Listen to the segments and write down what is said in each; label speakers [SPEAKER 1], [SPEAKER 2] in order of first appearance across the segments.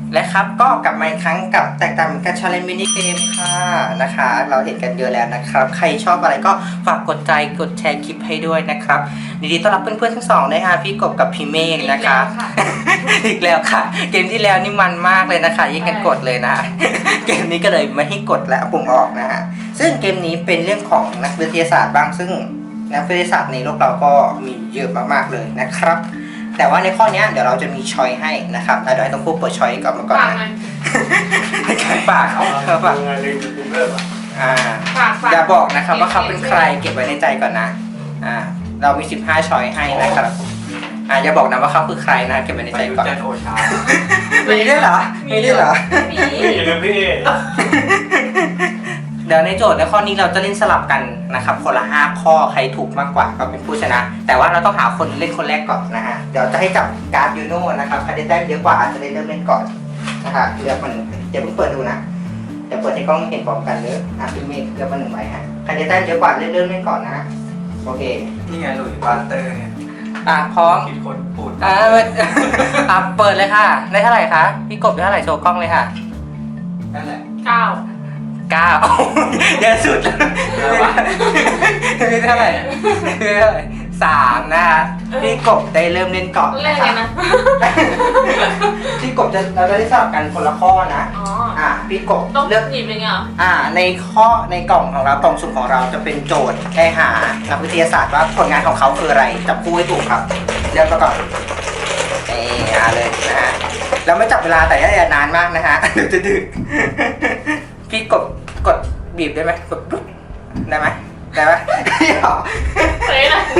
[SPEAKER 1] และครับก็กลับมาอีกครั้งกับแตกต่างกันชาเลนจ์มินิเกมค่ะนะคะเราเห็นกันเยอะแล้วนะครับใครชอบอะไรก็ฝากกดใจกดแชร์คลิปให้ด้วยนะครับยินดีต้อนรับเพื่อนๆทั้งสองด้วยค่ะพี่กบกับพี่เมฆนะคะ อีกแล้วค่ะเกมที่แล้วนี่มันมากเลยนะคะยิ่งกันกดเลยนะเกมนี้ก็เลยไม่ให้กดและปุ่มออกนะฮะซึ่งเกมนี้เป็นเรื่องของนักวิทยาศาสตร์บ้างซึ่งนักวิทยาศาสตร์ในโลกเราก็มีเยอะมากๆเลยนะครับแต่ว่าในข้อนี้เดี๋ยวเราจะมีช้อยให้นะครับเดี๋ยวให้ต้องพูดเปิดช้อยก่อนมาก่อนนะในการปากเขาปากอย่าบอกนะครับว่าเขาเป็นใครเก็บไว้ในใจก่อนนะเรามี15ช้อยให้นะครับอย่าบอกนะว่าเขาคือใครนะเก็บไว้ในใจก่อนมีด้วยเหรอมีด้วยเหรอ
[SPEAKER 2] มีเลยพี่
[SPEAKER 1] เดี๋ยวในโจทย์ในข้อนี้เราจะเล่นสลับกันนะครับคนละ5ข้อใครถูกมากกว่าก็เป็นผู้ชนะแต่ว่าเราต้องหาคนเล่นคนแรกก่อนนะฮะเดี๋ยวจะให้จับการ์ดยูโน่นะครับใครได้แต้มเยอะกว่าจะได้เริ่มเล่นก่อนนะครับเลือกมันเดี๋ยวเพิ่งเปิดดูนะเดี๋ยวเปิดให้กล้องเห็นพร้อมกันเลยพี่เมฆเลือกมา1ใบฮะใครได้แต้มเยอะกว่าเริ่มเล่นก่อนนะโอเค
[SPEAKER 3] นี่ไงหลุยส์บาเตอร์เนี่ย
[SPEAKER 1] พร้อม
[SPEAKER 3] คิดคนปูด
[SPEAKER 1] เปิดเลยค่ะได้เท่าไหร่คะพี่กบได้เท่าไหร่โชว์กล้องเลยค่ะ
[SPEAKER 3] นั่นแหละ
[SPEAKER 1] 9เยอะสุดนี่เท่าไหร่3นะคะพี่กบได้เริ่มเล่นก่อน
[SPEAKER 4] นะ
[SPEAKER 1] พี่กบเราจะได้สลับกันคนละข้อนะพี่กบ
[SPEAKER 4] เลือกหยิบเลยเหรอ
[SPEAKER 1] ในข้อในกล่องของเรากล่องสุ่มของเราจะเป็นโจทย์ให้หานักวิทยาศาสตร์ว่าผลงานของเขาคืออะไรจับคู่ให้ถูกครับเลือกมาก่อนเลยนะฮะแล้วไม่จับเวลาแต่อย่านานมากนะฮะเดี๋ยวจะดึกพี่กดบีบได้ไหมกดปุ๊บได้ไหมได้ไหม
[SPEAKER 4] เฮ้ยนะ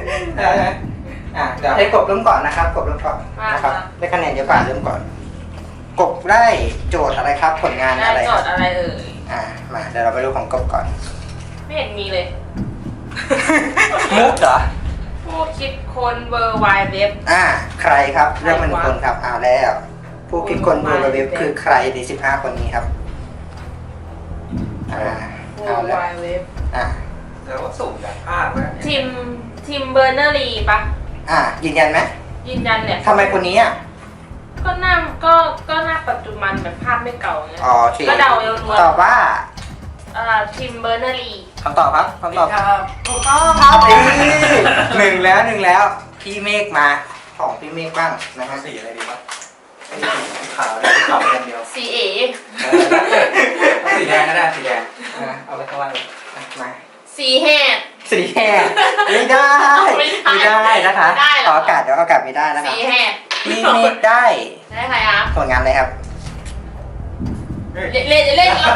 [SPEAKER 1] เดี๋ยวให้กบเริ่มก่อนนะครับกบเริ่มก่อนนะครับได้คะแนนเยอะกว่าเริ่มก่อนกบได้โจทย์อะไรครับผลงานอะไร
[SPEAKER 4] ได้โจทย์อะไร
[SPEAKER 1] มาเดี๋ยวเราไปดูของกบก่อน
[SPEAKER 4] ไม่เห็นมีเลย
[SPEAKER 1] มุกเหรอ
[SPEAKER 4] ผู้คิดค้นเวอร์ไวด์เว็บ
[SPEAKER 1] ใครครับเรื่องมันคนครับแล้วผู้คิดค้นเวอร์ไวด์เว็บคือใครใน15คนนี้ครับ
[SPEAKER 4] เวอร์ไวด์เว็บ
[SPEAKER 3] แล้วก็สุ่มจากภาพ
[SPEAKER 4] ทีมเบอร์เนอรี่ปะ
[SPEAKER 1] ยืนยันไหม
[SPEAKER 4] ยืนยันเนี่ย
[SPEAKER 1] ทำไมคนนี้
[SPEAKER 4] ก็หน้าปัจจุบันแบบภาพไม่เก่าเงี้ยก็เดาเยอะ
[SPEAKER 1] ตอบว่า
[SPEAKER 4] ทีมเบอร์เนอรี่
[SPEAKER 1] คำตอบครับคำตอบ
[SPEAKER 4] ถูกต้อง
[SPEAKER 1] ครับหนึ่งแล้วพี่เมฆมาของพี่เมฆบ้างนะครับ
[SPEAKER 3] สีอะไรดีวะขาวได้ขาวอย่างเดียว
[SPEAKER 4] สี
[SPEAKER 3] สีแดงก็ได้สีแดง
[SPEAKER 1] เอาไปข้างล่างมา
[SPEAKER 4] สีแหด
[SPEAKER 1] ไม่ได้นะคะขอโอกาสเดี๋ยวโอกาสไม่ได้นะคะ
[SPEAKER 4] สีแหด
[SPEAKER 1] พี่เมฆได้
[SPEAKER 4] ใครครับ
[SPEAKER 1] ผลงานอะไรครับ
[SPEAKER 4] เล่นเราเล่นแล้ว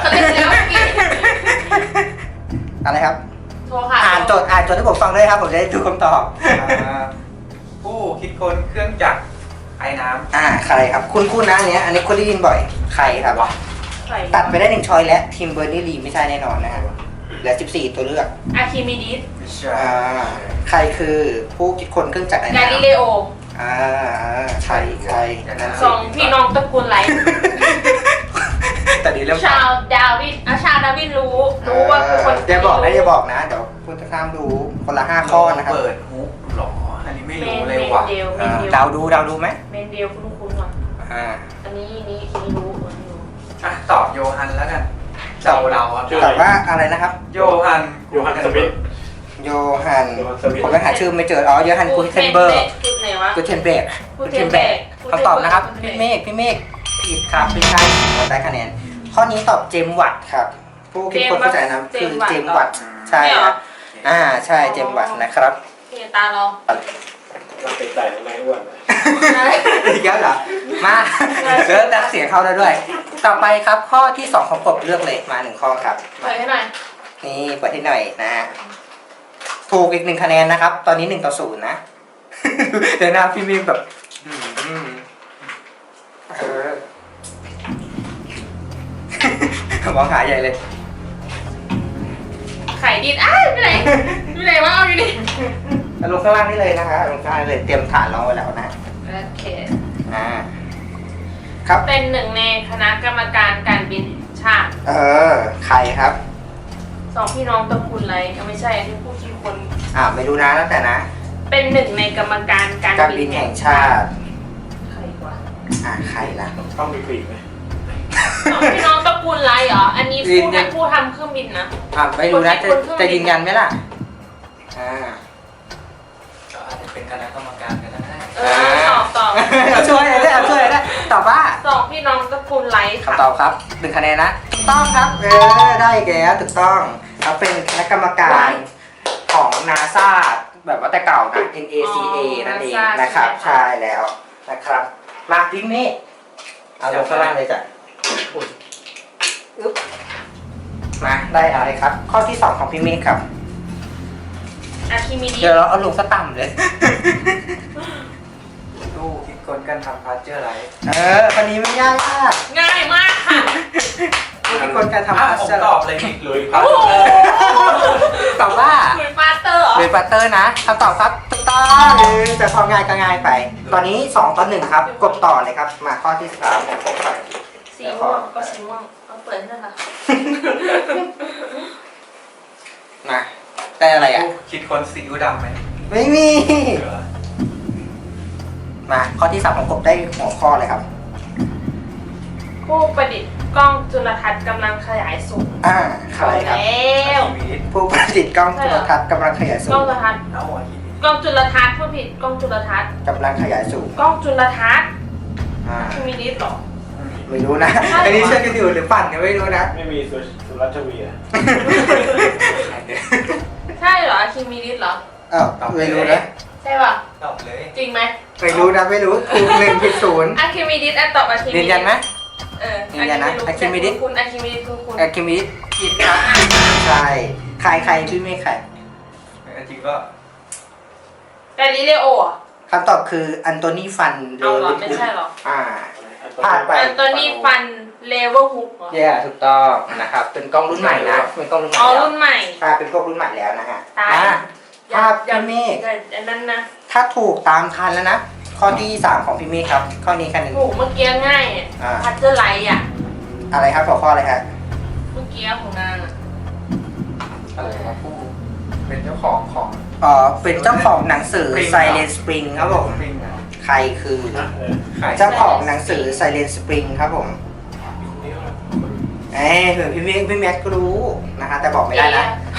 [SPEAKER 1] อะไรครับ
[SPEAKER 4] โทรค่ะ
[SPEAKER 1] อ่านโจทย์ให้ผมฟังด้วยครับผมจะได้ดูคำตอบ
[SPEAKER 3] ผู้คิดค้นเครื่องจักรไอ้น้
[SPEAKER 1] ำใครครับคุณนะอันนี้คุณได้ยินบ่อยใครครับตัดไปได้1ช้อยและทีมเบอร์นี่ลีไม่ใช่แน่นอนนะครับเหลือ14ตัวเลือก
[SPEAKER 4] อาร์คิมิดิส
[SPEAKER 1] ใครคือผู้คิดค้นเครื่องจักรไอ้น้ำ
[SPEAKER 4] กาลิเลโอ
[SPEAKER 1] ใคร
[SPEAKER 4] สองพี่น้องตระกูลไร
[SPEAKER 1] แต่ดีเริ่ม
[SPEAKER 4] ชาวดาวินรู้ว่าคือคน
[SPEAKER 1] อย่าบอกนะเดี๋ยวคุณจะข้ามรู้คนละ5ข้อนะครับ
[SPEAKER 3] เปิดฮุกหรออันนี้ไม่รู้เลยว่ะ
[SPEAKER 1] เดาดูไหม
[SPEAKER 4] เมนเดลคุ้นว่ะอันนี้รู้
[SPEAKER 3] ตอบโยฮันแล้วกันต
[SPEAKER 1] อบว่าอะไรนะครับ
[SPEAKER 3] โยฮัน
[SPEAKER 2] สมิธ
[SPEAKER 1] ผมยังหาชื่อไม่เจอโยฮันกูเทนเบอร์คำตอบนะครับพี่เมฆผิดครับไม่ใช่เราได้คะแนนข้อนี้ตอบเจมวัตครับผู้คิดคนเข้าใจนะคือเจมวัตใช่ครับใช่เจมวัตนะครับ
[SPEAKER 4] ตาเรา
[SPEAKER 2] เป็นใจไม่อ้วน
[SPEAKER 1] อีกแล้วเหรอมาเริ่มดักเสียงเข้าแล้วด้วยต่อไปครับข้อที่2ของกบเลือกเลยมา1ข้อครับ
[SPEAKER 4] เปิดให้หน่อย
[SPEAKER 1] นี่เปิดให้หน่อยนะฮะถูกอีก1คะแนนนะครับตอนนี้1-0นะเดี๋ยวนะพี่มีแบบมองหาใหญ่เลย
[SPEAKER 4] ไข่ดินไปไหนวะเอาอยู่นี่
[SPEAKER 1] ลงข้างล่างนี่เลยนะคะลงข้างล่างเลยเตรียมฐานรอไว้แล้วนะ
[SPEAKER 4] โอเค
[SPEAKER 1] ครับ
[SPEAKER 4] เป็นหนึ่งในคณะกรรมการการบินชาติ
[SPEAKER 1] ใครครับ
[SPEAKER 4] 2พี่น้องตระกูลไรไม่ใช่ที่ผู้คิดคน
[SPEAKER 1] ไม่รู้นะแล้วแต่นะ
[SPEAKER 4] เป็นหนึ่งในกรรมการการ
[SPEAKER 1] บินแห่งชาติ
[SPEAKER 4] ใครวะ
[SPEAKER 1] ใครล่ะ
[SPEAKER 2] ต้องมีปีกไหม
[SPEAKER 4] สองพี่น้องตระกูลไรเหรอ อันนี้ผู้ทำเครื่องบินนะ
[SPEAKER 1] ไม่รู้นะจะยืนยันไหมล่ะ
[SPEAKER 3] ก็อาจจะเป็นคณะกรรมการกันได้
[SPEAKER 4] ตอบ
[SPEAKER 1] ช่วยได้ตอบว่า
[SPEAKER 4] สองพี่น้องตระกูลไรค่ะ
[SPEAKER 1] คำตอบครับ1 คะแนนนะถูกต้องครับได้แกถูกต้องเขาเป็นคณะกรรมการของ NASA แบบว่าแต่เก่านะ NACA นั่นเองนะครับใช่แล้วนะครับมาพี่เมฆเอาลงข้างล่างเลยจ้ะมาได้อะไรครับ ข้อที่ 2 ของพี่เมฆครับ
[SPEAKER 4] อะคิมิดี
[SPEAKER 1] เดี๋ยวเราเอาลงสต่ำเลย
[SPEAKER 3] ตู้คิดคนกันทำพาร์เจอร์ไร
[SPEAKER 1] คนนี้ไม่ยากมาก
[SPEAKER 4] ง่ายมากค่ะ
[SPEAKER 1] ทุกคนการทำ
[SPEAKER 3] ผมตอบเลยนี่เลยครับ
[SPEAKER 4] โอ้โห
[SPEAKER 1] ตอบว่า
[SPEAKER 4] เหมือนปาเตอร์เหรอ
[SPEAKER 1] เบนปัตเตอร์นะคำตอบครับถูกต้องจะพอง่ายก็ง่ายไป ตอนนี้2-1ครับกดต่อเลยครับมาข้อที่3ของผมครับ
[SPEAKER 4] สีม่วงก็สีม่วงเอาเปิดให้ค่ะ
[SPEAKER 1] มาได้อะไรอ่ะ
[SPEAKER 3] คิดคนซีอิ๊วดำไหม
[SPEAKER 1] ไม่มีมาข้อที่3ของผมได้หัวข้อเลยครับ
[SPEAKER 4] ผู้ประดิษฐ์กล้องจุลทรรศน์กำลังขยายสูง
[SPEAKER 1] ใครครับ
[SPEAKER 4] แล้ว
[SPEAKER 1] ผู้ประดิษฐ์กล้องโทรทัศน์กำลังขยายสู
[SPEAKER 4] กล้อง งจุลทรรศน์
[SPEAKER 3] เอาหัวคิด
[SPEAKER 4] กล้องจุลทรรศน์ผู้ผิดกล้องจุลทรรศน์
[SPEAKER 1] กำลังขยายสูง
[SPEAKER 4] กล้องจุลทรรศน์
[SPEAKER 1] อ่า
[SPEAKER 4] คิมิดีหรอ
[SPEAKER 1] ไม่รู้นะอันนี้เชื่อกันอยู่หรือปั่นเนี่ยไม่รู้นะ
[SPEAKER 2] ไม่มีสุรัชวีอ่ะ
[SPEAKER 4] ใช่เหรออะคิมิดีเหรอ
[SPEAKER 1] ไม่รู้นะ
[SPEAKER 4] ใช่ป่ะ
[SPEAKER 3] ตอบเลย
[SPEAKER 4] จริงไหม
[SPEAKER 1] ไม่รู้นะไม่รู้ถูก1 ผิด 0
[SPEAKER 4] อะคิมิดีตอบอะคิมิ
[SPEAKER 1] ยื
[SPEAKER 4] ดี
[SPEAKER 1] นยันไหม
[SPEAKER 4] ยื
[SPEAKER 1] นยันนะอะคิมิดิ
[SPEAKER 4] คุณอะคิมิดีคุณ
[SPEAKER 1] คิมิผิดครับใช่ใครพี่เมฆใคร
[SPEAKER 3] จริงก็
[SPEAKER 4] แต่ลิเลโออ่ะ
[SPEAKER 1] คำตอบคืออันโตนีฟัน
[SPEAKER 4] เอาเหรอไม่ใช่เหรอ
[SPEAKER 1] พลาดไป
[SPEAKER 4] อันโตนี่ฟันเลเวลฮุกเหรอ
[SPEAKER 1] แย่ถูกต้องนะครับเป็นกล้องรุ่นใหม่นะเป็นกล้องรุ่นใหม่
[SPEAKER 4] อ๋อ
[SPEAKER 1] แล้ว
[SPEAKER 4] รุ่นใหม่
[SPEAKER 1] เป็นกล้องรุ่นใหม่แล้วนะฮะ
[SPEAKER 4] ตาย
[SPEAKER 1] ภาพพี่เมฆ
[SPEAKER 4] อันนั้นนะ
[SPEAKER 1] ถ้าถูกตามทันแล้วนะข้อที่3ของพี่เมฆครับข้อนี้คะแนน
[SPEAKER 4] โหเมื่อกี้ง่ายอ่ะ
[SPEAKER 1] อ่า
[SPEAKER 4] พัตเตอร์ไลท์อ่ะ
[SPEAKER 1] อะไรครับหัวข้ออะไรฮะ
[SPEAKER 4] เมื่อกี้ของนางอ่ะ
[SPEAKER 3] อะไรครับผู้เป็นเจ้าของของ
[SPEAKER 1] เป็นเจ้าของหนังสือ Silent Spring ครับผม
[SPEAKER 3] ปริงอ่ะ
[SPEAKER 1] ใครคือ
[SPEAKER 3] ขาย
[SPEAKER 1] เจ้าของหนังสือ Silent Spring ครับผมเผื่อพี่แม็กก็รู้นะคะแต่บอกไม่ได้นะ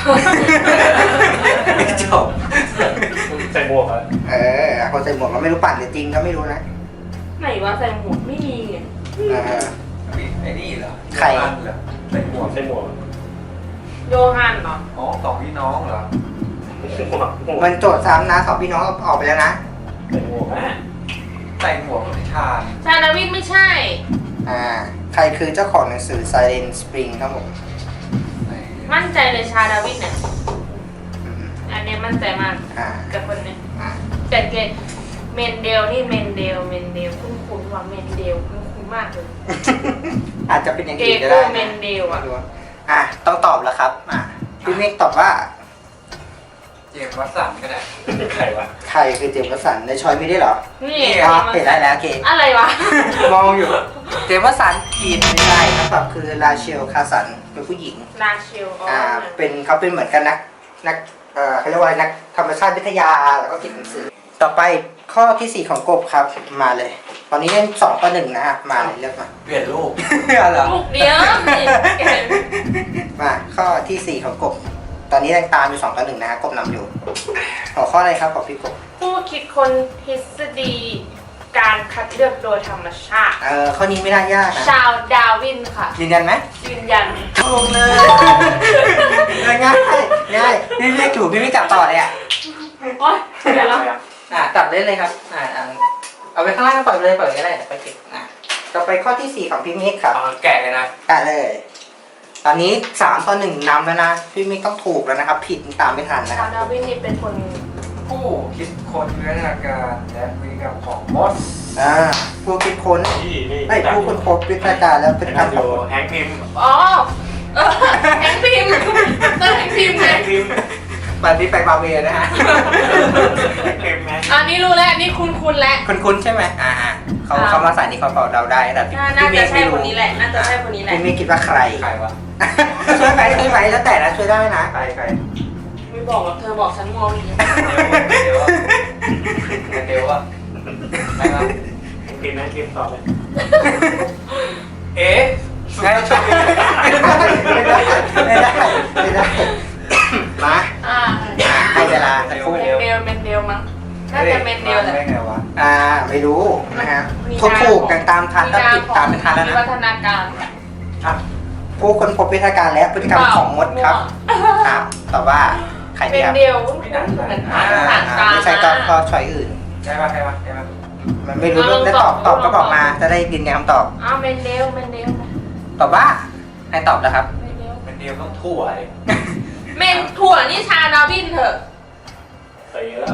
[SPEAKER 1] จบ
[SPEAKER 2] ใส่หมวกอ่ะ
[SPEAKER 1] คนใส่หมวกก็ไม่รู้ปั่นหรือจริงก็ไม่รู้นะ
[SPEAKER 4] ไหนวะใส่หมวกไม่มีอ่ะ
[SPEAKER 3] ไอ้นี่เหรอ
[SPEAKER 1] ใคร
[SPEAKER 3] โยฮันเหรอใส่หมวก
[SPEAKER 2] ใส่หมวก
[SPEAKER 4] โยฮันเหรอ
[SPEAKER 3] อ๋อสองพี่น้องเหรอ
[SPEAKER 1] มันโจทย์ซ้ำนะ2 พี่น้องออกไปแล้วนะ
[SPEAKER 2] ใส่หมวกอ่ะ
[SPEAKER 3] ใส่หมวกนิทาน
[SPEAKER 4] ชาดาวิดไม่ใช่
[SPEAKER 1] ใครคือเจ้าของหนังสือ Silent Spring ครับผม
[SPEAKER 4] มั่นใจเลยชาดาวิดเนี่ย
[SPEAKER 1] อืม
[SPEAKER 4] อันเนี้ยมั่นใจมาก
[SPEAKER 1] อ่า
[SPEAKER 4] กับคนเนี้ย
[SPEAKER 1] อ่า
[SPEAKER 4] แต่เกตเมนเดลนี่เมนเดลคุ้นๆว่าเมนเดลคุ้นๆมากเลย
[SPEAKER 1] อาจจะเป็นอย่าง
[SPEAKER 4] เก
[SPEAKER 1] อื่นก็
[SPEAKER 4] โก
[SPEAKER 1] ได้
[SPEAKER 4] เมนเดล
[SPEAKER 1] ไม่
[SPEAKER 4] อ่ะ
[SPEAKER 1] รู้ต้องตอบแล้วครับพี่เมฆตอบว่า
[SPEAKER 3] เจมส์วัตสันก็ได้
[SPEAKER 2] ใครวะ
[SPEAKER 1] ใครคือเจมส์วัตสันในช้อยไม่ได้เหรอ
[SPEAKER 4] นี่
[SPEAKER 1] เห็นได้แล้วโอเค
[SPEAKER 4] อะไรวะ
[SPEAKER 1] มองอยู่ เจมส์วัตสันผิดไม่ได้คำตอบคือราเชลคาสันเป็นผู้หญิง
[SPEAKER 4] ลาเชล
[SPEAKER 1] เขาเป็นเหมือนกันนักเขาเรียกว่านักธรรมชาติวิทยาแล้วก็เขียนหนังสือ ต่อไปข้อที่ 4 ของกบครับมาเลย ตอนนี้เล่น2-1นะฮะมาเลยเลือกมา
[SPEAKER 3] เปลี่ยนรูป
[SPEAKER 1] เหรอ
[SPEAKER 4] ลูกเดียว
[SPEAKER 1] มาข้อที่ 4 ของกบ ตอนนี้ยังตามอยู่2-1นะฮะกบนำอยู่หัวข้ออะไรครับของพี่กบ
[SPEAKER 4] ผู้คิดคนทฤษฎีการคัดเลือกโดยธรรมชาติ
[SPEAKER 1] ข้อนี้ไม่น่ายากนะ
[SPEAKER 4] ชาวดาวินค่ะ
[SPEAKER 1] ยืนยันไหม
[SPEAKER 4] ยืนยัน
[SPEAKER 1] ถูกเลยง่ายพี่เรียกถูกพี่ไม่จับต่อเลยอ่ะ
[SPEAKER 4] โอ๊ยเดี๋ยวแล้ว
[SPEAKER 1] จับเล่นเลยครับเอาไปข้างล่างปล่อยไปเลยก็ได้ไปเก็บต่อไปข้อที่ 4 ของพี่เมฆครับ
[SPEAKER 3] เอาแกะเลยนะ
[SPEAKER 1] เลย ตอนนี้3-1นำแล้วนะพี่เมฆต้องถูกแล้วนะครับ ผิดตามไม่ทันนะค
[SPEAKER 4] ชา
[SPEAKER 1] รั
[SPEAKER 4] ว
[SPEAKER 1] บ
[SPEAKER 4] ดาวินนี่เป็นคน
[SPEAKER 3] ผู้คิดคนเนื้อนาการและพฤติกรรมของมด
[SPEAKER 1] ผู้คิดค้น
[SPEAKER 2] นี่
[SPEAKER 1] ผู้ค้นพบวิทยาการแล้วเป็น
[SPEAKER 2] เป็น
[SPEAKER 1] การ
[SPEAKER 2] ทำอ
[SPEAKER 1] ขอยู่ ง
[SPEAKER 2] แฮงค์พิมพ์
[SPEAKER 4] อ๋อแฮงพิมพ์เตอร์แฮงพิมพ์
[SPEAKER 2] แฮ
[SPEAKER 4] ไง
[SPEAKER 2] งค์พิมพ์
[SPEAKER 1] บันที่ไปบาเวนะฮะ
[SPEAKER 2] แฮงค์พิมพ์นะ
[SPEAKER 4] อันนี้รู้แล้วอันนี้คุ้นๆแล้ว
[SPEAKER 1] คุ้นๆใช่ไหมเขามาใส่นี่เขาเดาได้แต่พี่
[SPEAKER 4] น่า
[SPEAKER 1] เม
[SPEAKER 4] จะ
[SPEAKER 1] ฆ
[SPEAKER 4] ใช่
[SPEAKER 1] ไม่
[SPEAKER 4] คน
[SPEAKER 1] รู้
[SPEAKER 4] นี้แหละ น่าจะใช่คนนี้แหละ
[SPEAKER 1] พี่เมฆคิดว่าใคร
[SPEAKER 3] ใครวะ
[SPEAKER 1] ช่วยไหมแล้วแต่นะช่วยได้นะ
[SPEAKER 3] ใคร
[SPEAKER 4] ไม่บอกหรอกเธอบอกฉันมองอย่างนี้
[SPEAKER 3] เดี๋ยวอะใครวะ
[SPEAKER 1] พ
[SPEAKER 2] กินนะกินต่อเลย
[SPEAKER 3] เอ๊ะสุดยอด
[SPEAKER 1] ไม่ได้ไม่ได้ไม่ได้มา ให้เวลาสักครู่
[SPEAKER 4] เมนเดลมั้งน่าจะเมนเดลแหละ
[SPEAKER 3] ได้ไงวะ
[SPEAKER 1] ไม่รู้นะฮะถูกกันตามทันก็ติดตามเป็นทันแล้ว
[SPEAKER 4] วิ
[SPEAKER 1] นะ
[SPEAKER 4] วัฒนาการ
[SPEAKER 1] ผู้คนพบวิทยาการและพฤติกรรมของมดครับตอบว่าใคร
[SPEAKER 4] เม
[SPEAKER 1] ดี
[SPEAKER 4] น
[SPEAKER 1] ครับ
[SPEAKER 4] เดลเหมือนภาษากลาง
[SPEAKER 1] ไม่ใช่ก็ช้อยอื่น
[SPEAKER 3] ใช่ป่ะใช่ป่ะใช่ป่ะ
[SPEAKER 1] มันไม่รู้เรื่องได้ตอบก็บอกมาจะได้ยืนยันคำตอบ
[SPEAKER 4] เมนเดล
[SPEAKER 1] ตอบว่าให้ตอบแล้วครับ
[SPEAKER 3] เป็นเดียวต้องทั่วเลย
[SPEAKER 4] เมนถั่วนี่ชาดาวินเถอะ
[SPEAKER 2] ใส่เยอะแล้ว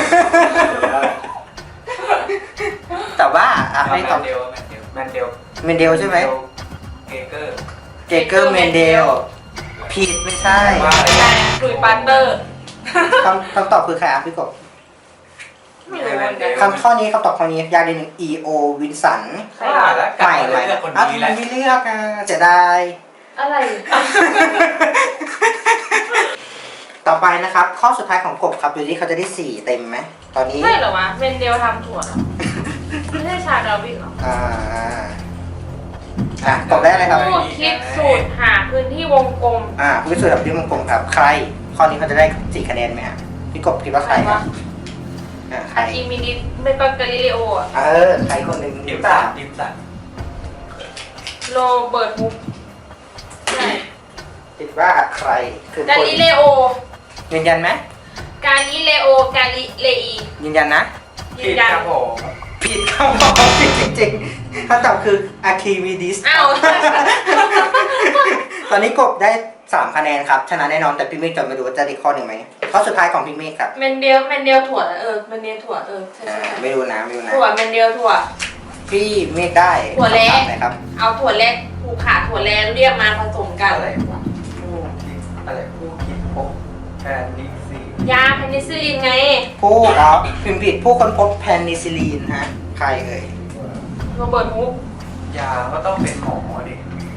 [SPEAKER 1] แต่ว่าให้ตอบ
[SPEAKER 3] แมนเดลแมนเดล
[SPEAKER 1] เมนเดลใช่ไหม
[SPEAKER 3] เกเกอร์
[SPEAKER 1] เจเกอร์เมนเดลผิดไม่ใช่
[SPEAKER 4] แต่คุยปาร์เตอร์
[SPEAKER 1] คำตอบคือใครพี่กบ
[SPEAKER 4] ไม่รู้เหมือนกัน
[SPEAKER 1] คำข้อนี้คำตอบข้อนี้ยากนิดนึง E.O. วินสัน
[SPEAKER 3] ว่าแล้วกลับ
[SPEAKER 1] ใหม่
[SPEAKER 3] มาเลือกคน
[SPEAKER 1] ทำ
[SPEAKER 3] นี้
[SPEAKER 1] ไม
[SPEAKER 3] แหละ
[SPEAKER 1] ไม่เลือกเสียดาย
[SPEAKER 4] อะไร
[SPEAKER 1] ต่อไปนะครับ ข้อสุดท้ายของกบครับดูที่เขาจะได้4เต็มไหมตอนนี้
[SPEAKER 4] ใช่เหรอวะเมนเดลทำถั่วเหรอไม่ใช่ชาดาวินเหรอ
[SPEAKER 1] กบได้อะไรครับ
[SPEAKER 4] ผู้คิดสูตรหาพื้นที่วงกลม
[SPEAKER 1] ผู้พิสูจน์แบบที่วงกลมครับ ใคร ข้อนี้เขาจะได้4คะแนนไหมฮะพี่กบคิดว่าใครครับใคร
[SPEAKER 4] อาร์คิมิดิสไม่ก็กาลิเลโออะ
[SPEAKER 1] ใครคนหนึ่ง
[SPEAKER 3] ดิ
[SPEAKER 1] ห
[SPEAKER 3] ม
[SPEAKER 1] รือเปล่า
[SPEAKER 3] สันดิมสัน
[SPEAKER 4] โรเบิร์ตฮุกใช่
[SPEAKER 1] คิดว่าใครคือก
[SPEAKER 4] า
[SPEAKER 1] คน
[SPEAKER 4] ลิเลโอ
[SPEAKER 1] ยืนยันไหม
[SPEAKER 4] กาลิเลโอ กาลิเลอี
[SPEAKER 1] ยืนยันนะ
[SPEAKER 4] ยื
[SPEAKER 3] ผิ
[SPEAKER 4] น
[SPEAKER 3] ด
[SPEAKER 4] ยัน
[SPEAKER 3] ครับผม
[SPEAKER 1] ผิดครับผมผิดจริงๆคำตอบคืออะคิมิดิส
[SPEAKER 4] อ้าว
[SPEAKER 1] ตอนนี้กบได้3คะแนนครับชนะแน่นอนแต่พี่เมฆจะไม่รู้ว่าจะได้ข้อหนึ่งไหมข้อสุดท้ายของพี่เมฆครับ
[SPEAKER 4] เมนเดลถั่วเมนเดลถั่วใช่ใช่
[SPEAKER 1] ไม่รู้นะไม่รู้นะ
[SPEAKER 4] ถั่วเมนเดลถั่ว
[SPEAKER 1] พี่เมฆได้
[SPEAKER 4] ถั่วเละ
[SPEAKER 1] คำตอบไหนครับ
[SPEAKER 4] เอาถั่วเล็กผูกขาถั่วแลเรียกมาผสมกัน
[SPEAKER 3] อะไรวะผู้คิดอะไรผู้คิดพบแพนนิซี
[SPEAKER 4] ยาเพนิซิลินไง
[SPEAKER 1] ผู้พิมพ์ผิดผู้ค้นพบแพนิซิลีนฮะใครเอ่ย
[SPEAKER 4] โรเบิร์ตฮุก
[SPEAKER 3] ยาก็ต้องเป็นหมอดิ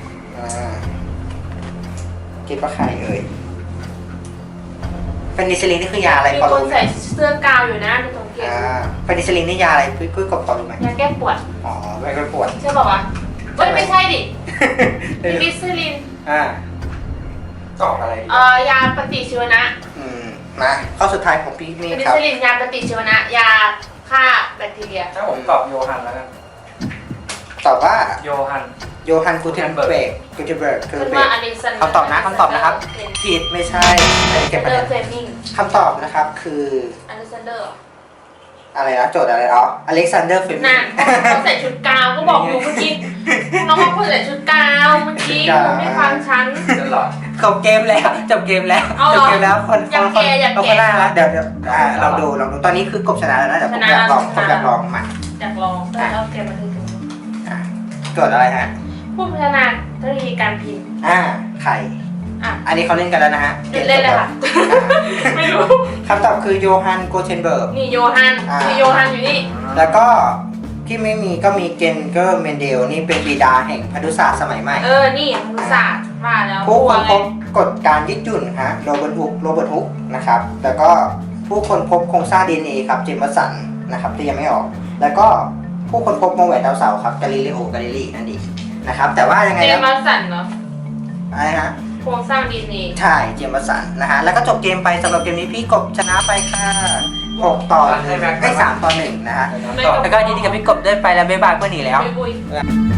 [SPEAKER 1] คิดว่าใครเอ่ยแพนิซิลีนนี่คือยาอะไร
[SPEAKER 4] มี
[SPEAKER 1] พอ
[SPEAKER 4] คน
[SPEAKER 1] รู้ไหม
[SPEAKER 4] ใส่เสื้อกาวอยู่นะดูสังเกต
[SPEAKER 1] แพนิซิลีนนี่ยาอะไรพี่กบพอรู้ไหม
[SPEAKER 4] ยาแก้ปวด
[SPEAKER 1] อ๋อไม่ก็ปวด
[SPEAKER 4] ใช่ป่าวะเฮ้ยไม่ใช่ดิเพนิซิลิน
[SPEAKER 3] ตอบอะไร
[SPEAKER 4] ยาปฏิชีวนะ
[SPEAKER 1] มาข้อสุดท้ายของพี่เม
[SPEAKER 4] เพ
[SPEAKER 1] ฆ
[SPEAKER 4] นิ
[SPEAKER 1] ครับ
[SPEAKER 4] ซิลินยาปฏิชีวนะยาฆ่าแบคทีเรีย
[SPEAKER 3] ถ้าผมตอบโยฮันแล้วกัน
[SPEAKER 1] ตอบว่า
[SPEAKER 3] โยฮัน
[SPEAKER 1] โยฮันกูเทนเบิร์กคือ
[SPEAKER 4] เป็น
[SPEAKER 1] เบ
[SPEAKER 4] ว่า
[SPEAKER 1] ก
[SPEAKER 4] อเล็กซานเดอร์
[SPEAKER 1] คำตอบนะครับผิดไม่ใช่อันนี้เก็บคะ
[SPEAKER 4] เด
[SPEAKER 1] แน
[SPEAKER 4] อร์
[SPEAKER 1] น
[SPEAKER 4] เฟลมิง
[SPEAKER 1] คำตอบนะครับคือ
[SPEAKER 4] อเล็กซานเดอร์
[SPEAKER 1] อะไรนะโจทย์อะไรอเล็กซานเดอร์เฟมิ
[SPEAKER 4] นั่นเขาใส่ชุดกาวก็บอกอยู่เมื่อกี้น้องว่าคนใส่ชุดกาวเมื่อกี้คุณไม่ฟังฉัน
[SPEAKER 3] ตลอด
[SPEAKER 1] จบเกมแล้วจบเกมแล้ว
[SPEAKER 4] เอาเหรอ
[SPEAKER 1] จบเกมแล้วคน
[SPEAKER 4] อยากแก่อยากแก่
[SPEAKER 1] คนหน้าแล้วเดี๋ยวเราดูตอนนี้คือกบชนะแล้วนะเดี๋ยวผมอยากลองผมอยากลองมา
[SPEAKER 4] อยากลองแต่เราเกมมาถึง
[SPEAKER 1] โจทย์อะไรฮะ
[SPEAKER 4] ผู้พัฒนาเทคโนโลยีการพิมพ์
[SPEAKER 1] ไข่
[SPEAKER 4] อ่ะ
[SPEAKER 1] อันนี้เขาเล่นกันแล้วนะฮะ
[SPEAKER 4] เล่นเลยค่ะ ไม่รู้
[SPEAKER 1] คำตอบคือโยฮันโกเทนเบิร์ก
[SPEAKER 4] นี่โยฮันคือโยฮันอยู่นี่
[SPEAKER 1] แล้วก็ที่ไม่มีก็มีเกนเกอร์เมนเดลนี่เป็นบิดาแห่งพันธุศาสตร์สมัยใหม่
[SPEAKER 4] นี่มนุษยศาสตร์ว่าแล้ว
[SPEAKER 1] ผู้คนพ
[SPEAKER 4] เล
[SPEAKER 1] บ
[SPEAKER 4] ย
[SPEAKER 1] กฎการยืดหยุ่นฮะโรเบิร์ตฮุกนะครับแล้วก็ผู้คนพบโครงสร้าง DNA ครับเจมส์สันนะครับที่ยังไม่ออก แล้วก็ผู้คนพบวงแหวนดาวเสาร์ครับกาลิเลโอกาลิลีนั่นเองนะครับแต่ว่ายังไง
[SPEAKER 4] เจ
[SPEAKER 1] นะ
[SPEAKER 4] มาสันเนาะ
[SPEAKER 1] อะไรฮะ
[SPEAKER 4] โครงสร้างดีเอ็นเอ
[SPEAKER 1] ใช่เจมส์สันนะฮะแล้วก็จบเกมไปสำหรับเกมนี้พี่กบชนะไปค่ะ6 ต่อ 1 ได้ 3 ต่อ 1 นะฮะ
[SPEAKER 3] ตอบ
[SPEAKER 1] แล้วก็ยินดีกับพี่กบได้ไปแล้วบ๊ายบายเพื่อนหนีแล้ว
[SPEAKER 4] บุย